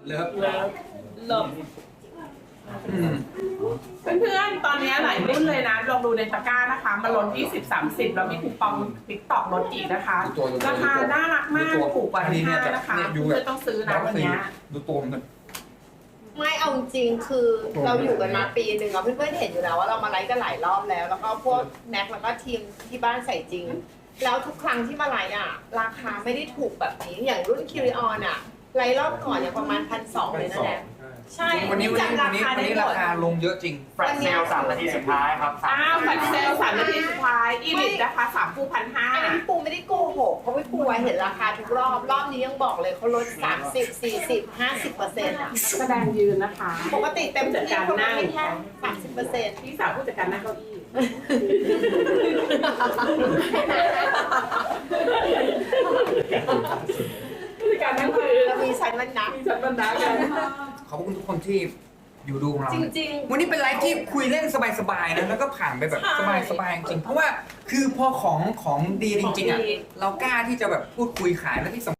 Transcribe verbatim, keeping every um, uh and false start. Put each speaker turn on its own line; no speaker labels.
เลิฟ
เลิฟเลิฟเพื่อนๆตอนนี้หลายรุ่นเลยนะลองดูในตะกร้านะคะมาลด ยี่สิบ สามสิบ แล้วมีคูปองติ๊กต็อกลดอีกนะคะราคาน่ารักมากถูกกว่าที่ห้านะคะเพื่อนๆต้องซื้อนะวันนี้
ดูตัวมัน
ไม่เอาจริงคือเราอยู่กันมาปีหนึ่งเราเพื่อนๆเห็นอยู่แล้วว่าเรามาไลฟ์กันหลายรอบแล้ว แล้วก็พวกแน็กแล้วก็ทีมที่บ้านใส่จริง แล้วทุกครั้งที่มาไลฟ์อ่ะราคาไม่ได้ถูกแบบนี้อย่างรุ่นคิริออนอ่ะไลฟ์รอบก่อนเนี่ยประมาณพันสองเลยนะแน็กใช่
วันนี้วันนี้วันนี้วันนี้ราคาลงเยอะจริง
แฟลชเซลสามนาทีสุดท้ายครับ
อ้าวแฟลชเซลสามนาทีสุดท้ายอีลิทนะคะสามคู่พันห้า
อันนี้พี่ปูไม่ได้โกหกเพราะพี่ปูเห็นราคาทุกรอบรอบนี้ยังบอกเลยเขาลดสามสิบ สี่สิบ ห้าสิบเปอร์เซ็นต์อ่ะ
แสดงยืนนะคะ
ปกติเต็มที่เขาให้แค่สามสิบเปอร์เซ็นต์
พี่สาวผู้จัดการนั่งเก้าอี้ผู้จัดการนั่งคือ
เรามีชั้นมันนะ
มีฉันบรรดากัน
ขอบคุณทุกคนที่อยู่ดูของเรา
จริงๆ
วันนี้เป็นไลฟ์ที่คุยเล่นสบายๆนะแล้วก็ผ่านไปแบบสบายๆจริงเพราะว่าคือพอของของดีจริงๆอ่ะเรากล้าที่จะแบบพูดคุยขายและที่สำ